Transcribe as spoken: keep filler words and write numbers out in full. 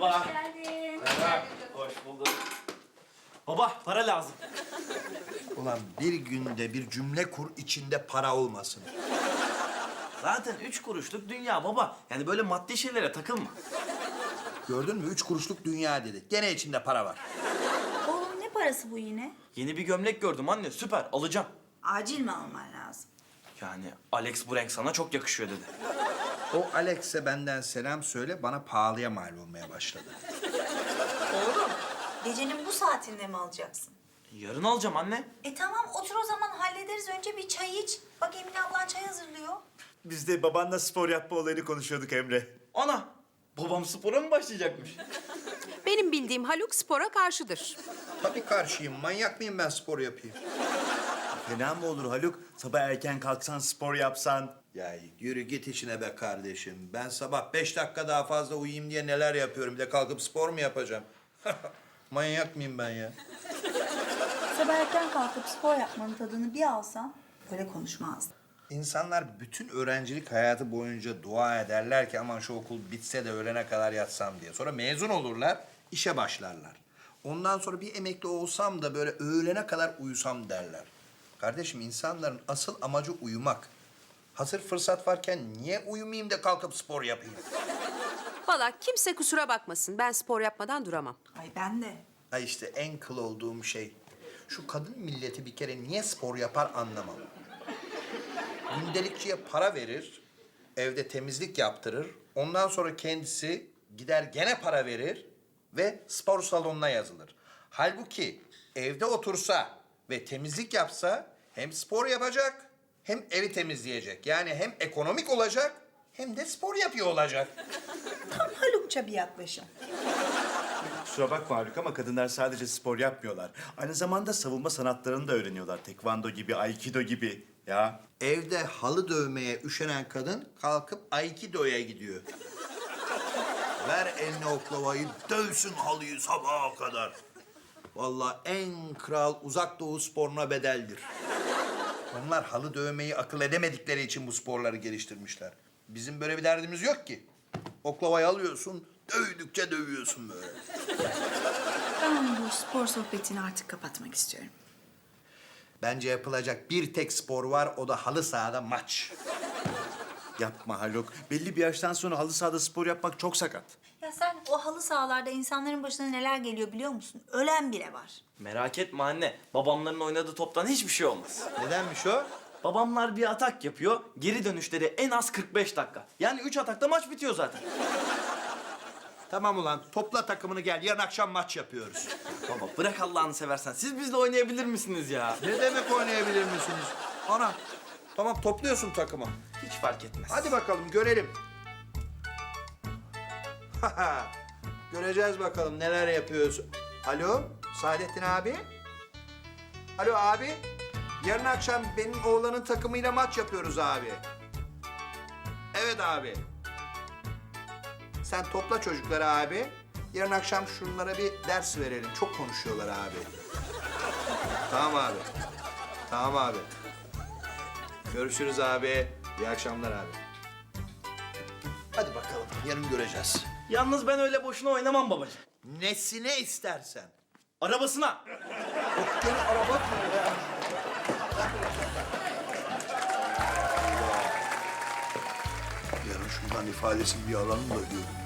Merhaba. Hoş geldin. Merhaba. Hoş bulduk. Baba para lazım. Ulan bir günde bir cümle kur içinde para olmasın. Zaten üç kuruşluk dünya baba. Yani böyle maddi şeylere takılma. Gördün mü? Üç kuruşluk dünya dedi. Gene içinde para var. Oğlum ne parası bu yine? Yeni bir gömlek gördüm anne. Süper alacağım. Acil mi alman lazım? Yani Alex bu renk sana çok yakışıyor dedi. O Alex'e benden selam söyle, bana pahalıya mal olmaya başladı. Oğlum gecenin bu saatinde mi alacaksın? Yarın alacağım anne. E tamam otur o zaman hallederiz. Önce bir çay iç. Bak Emine ablan çay hazırlıyor. Biz de babanla spor yapma olayını konuşuyorduk Emre. Ana babam spora mı başlayacakmış? Benim bildiğim Haluk spora karşıdır. Tabii karşıyım. Manyak mıyım ben spor yapayım? Fena mı olur Haluk? Sabah erken kalksan, spor yapsan. Ya yürü git işine be kardeşim. Ben sabah beş dakika daha fazla uyuyayım diye neler yapıyorum. Bir de kalkıp spor mu yapacağım? Manyak mıyım ben ya? Sabah erken kalkıp spor yapmanın tadını bir alsan böyle konuşmazdın. İnsanlar bütün öğrencilik hayatı boyunca dua ederler ki aman şu okul bitse de öğlene kadar yatsam diye. Sonra mezun olurlar, işe başlarlar. Ondan sonra bir emekli olsam da böyle öğlene kadar uyusam derler. Kardeşim insanların asıl amacı uyumak. Hazır fırsat varken niye uyumayayım da kalkıp spor yapayım? Valla kimse kusura bakmasın. Ben spor yapmadan duramam. Ay ben de. Ha işte en kıl olduğum şey. Şu kadın milleti bir kere niye spor yapar anlamam. Gündelikçiye para verir, evde temizlik yaptırır. Ondan sonra kendisi gider gene para verir ve spor salonuna yazılır. Halbuki evde otursa ve temizlik yapsa hem spor yapacak hem evi temizleyecek. Yani hem ekonomik olacak hem de spor yapıyor olacak. Tam Halukça bir yaklaşım. Kusura bakma Haluk ama kadınlar sadece spor yapmıyorlar. Aynı zamanda savunma sanatlarını da öğreniyorlar. Tekvando gibi, aikido gibi. Ya Evde halı dövmeye üşenen kadın kalkıp Aikido'ya gidiyor. Ver eline oklavayı, dövsün halıyı sabaha kadar. Vallahi en kral uzak doğu sporuna bedeldir. Onlar halı dövmeyi akıl edemedikleri için bu sporları geliştirmişler. Bizim böyle bir derdimiz yok ki. Oklavayı alıyorsun, dövdükçe dövüyorsun böyle. Ben bu spor sohbetini artık kapatmak istiyorum. Bence yapılacak bir tek spor var, o da halı sahada maç. yapma Haluk. Belli bir yaştan sonra halı sahada spor yapmak çok sakat. Ya sen o halı sahalarda insanların başına neler geliyor biliyor musun? Ölen bile var. Merak etme anne. Babamların oynadığı toptan hiçbir şey olmaz. Nedenmiş o? Babamlar bir atak yapıyor. Geri dönüşleri en az kırk beş dakika. Yani üç atakta maç bitiyor zaten. Tamam ulan, topla takımını gel, yarın akşam maç yapıyoruz. Baba bırak Allah'ını seversen. Siz bizle oynayabilir misiniz ya? Ne demek oynayabilir misiniz? Ana, tamam topluyorsun takımı. Hiç fark etmez. Hadi bakalım görelim. Göreceğiz bakalım neler yapıyorsun. Alo, Saadettin abi. Alo abi. Yarın akşam benim oğlanın takımıyla maç yapıyoruz abi. Evet abi. Sen topla çocukları abi. Yarın akşam şunlara bir ders verelim. Çok konuşuyorlar abi. Tamam abi. Tamam abi. Görüşürüz abi. İyi akşamlar abi. Hadi bakalım. Yarın göreceğiz. Yalnız ben öyle boşuna oynamam babacığım. Nesine istersen. Arabasına. Gene araba mı ya? Yarın şundan ifadesini bir alalım da görün.